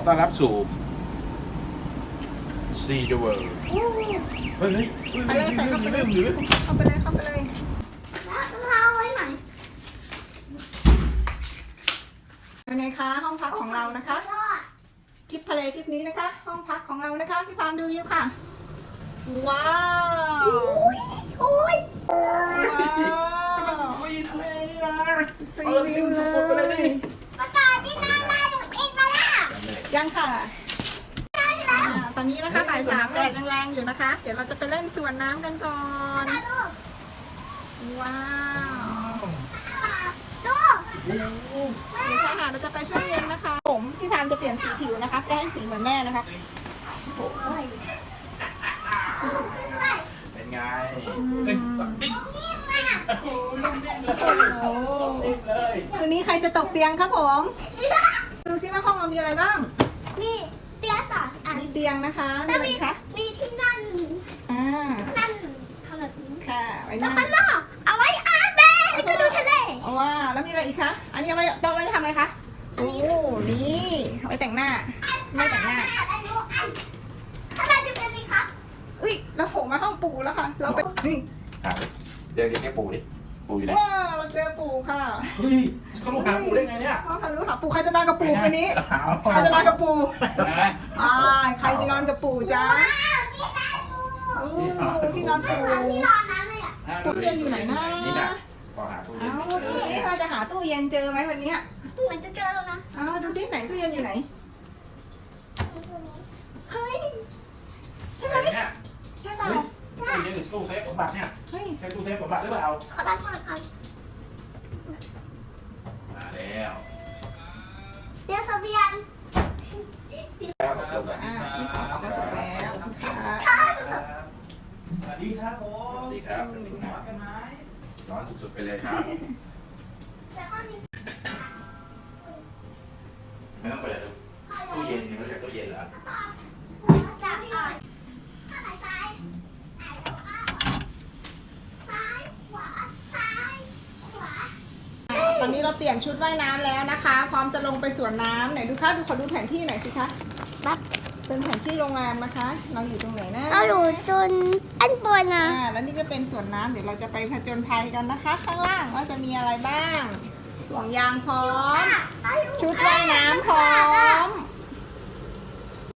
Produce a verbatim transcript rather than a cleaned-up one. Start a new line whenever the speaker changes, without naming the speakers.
ต้อนรับสู่ซีเดเวิร์เฮ้ยเฮ้ย
ไปเลยใส่เข้าไปเลยเข้าไปเลยเข้าไปเลย
แล้วเราไว้ไหน
เป็นไงคะห้องพักของเรานะคะทริปทะเลทริปนี้นะคะ ห้องพักของเรานะคะพี่พามดูอยู่ค่ะว้าว
อุ้ย
ว้าว
ซีทะเลนะ
ซีวิวเลย
ประกาศที่หน้าบ้านหนูเองมาล่ะ
ยังค่ะอ่าตอนนี้นะคะบ่ายสามแดดแรงๆอยู่นะคะ เดี๋ยวเราจะไปเล่นสวนน้ำกันก่อน
ตาลูก
ว้าว
ดู
ไม่ใช่ค่ะเราจะไปช่วงเย็นนะคะ ผมพี่พามจะเปลี่ยนสีผิวนะคะจะให้สีเหมือนแม่นะคะ
เฮ้ย
เป็นไงเฮ้ยสับปิ๊ก
นิ่มมาก
โอ้ยนุ่มนิ่มเลย
โอ้โห
นิ่มเลย
คืนนี้ใครจะตกเตียงครับผม ดูซิว่าห้องเรามีอะไรบ้าง
มีเตียงสอนอ่ะ
มีเตียงนะคะมี
แล้ว
อะไร
มี
คะ
มีที่นั่น
อ่า
นั่นทำแบบนี้
ค่ะไว้
แล้ว
นั่ง
ข้างนอกเอาไว้อาบแดดแล้วก็ดูทะเล
เอาว่าแล้วมีอะไรอีกคะ อันนี้เอาไว้ต้องไว้ทำอะไรคะ โอ้นี่เอาไว้แต่งหน้า ไม่แต่งหน้า
อันนู้นอันข้างในจะเป็นไหมครับ
อุ้ยเราโผล่มาห้องปู่แล้วค่ะ เราไปนี่
อ่ะเดี๋ยวเดี๋ยวแกปูดิปูอยู่ไหน
ว้าวเราเจอปู่ค่ะ
เฮ้ยเขาลูกหาปูได้ไงเนี่ย
ห้องทะลุค่ะปู่ใครจะนอนกับปู่คืนนี้
เอา
ใครจะนอนกับปู่
เอา
อ่าใครจะนอนกับปู่จ้า
ว้าวที่ได้ดู
อู้ที่นอนปู่
ที่นอนนั้นเลยอ่ะ
ตู้เย็นอยู่ไหนนะ
นี่นะพอหาตู้เย็น
เอาดูสิเราจะหาตู้เย็นเจอไหมวันเนี้ย
เหมือนจะเจอแล้วนะ
เอาดูสิไหนตู้เย็นอยู่ไหน เฮ้ย ใช่ไหม
เนี่ย
ใช่เปล่า
เฮ้ยตู้เย็นหรือตู้เซฟสมบัติเนี่ย
เฮ้ย
ใช่ตู้เซฟสมบัติหรือเปล่า
ขอรับเปิดก่อน
มาแล้ว
เตียงเสบียง
แล้วลงไป
อ่านี่ของเราเสร็จแล้วค่ะ
ข้าวผสม
สวัสดีครับผ
ส
ม
วัสดีครับสวัสดีค
ห
รั
อบ กันไหม
ร้อนสุดๆไปเลยครับ
แต่ข้าวนี้
ไม่ต้องเปิดดูตู้เย็นนี่ไม่ใช่ตู้เย็นเหรอ
จากอ่อนข้างซ้ายซ้ายขวาซ้ายขวา
ตอนนี้เราเปลี่ยนชุดว่ายน้ำแล้วนะคะ พร้อมจะลงไปสวนน้ำไหนดูค่ะดูขอดูแผนที่หน่อยสิคะ
บับ
เป็นแผนที่โรงแรมนะคะ เราอยู่ตรงไหนนะ
เราอยู่จนอันบนนะ
อ่าแล้วนี่ก็เป็นสวนน้ำเดี๋ยวเราจะไปผจญภัยกันนะคะ ข้างล่างว่าจะมีอะไรบ้างห่วงยางพร้อม ชุดว่ายน้ำพร้อม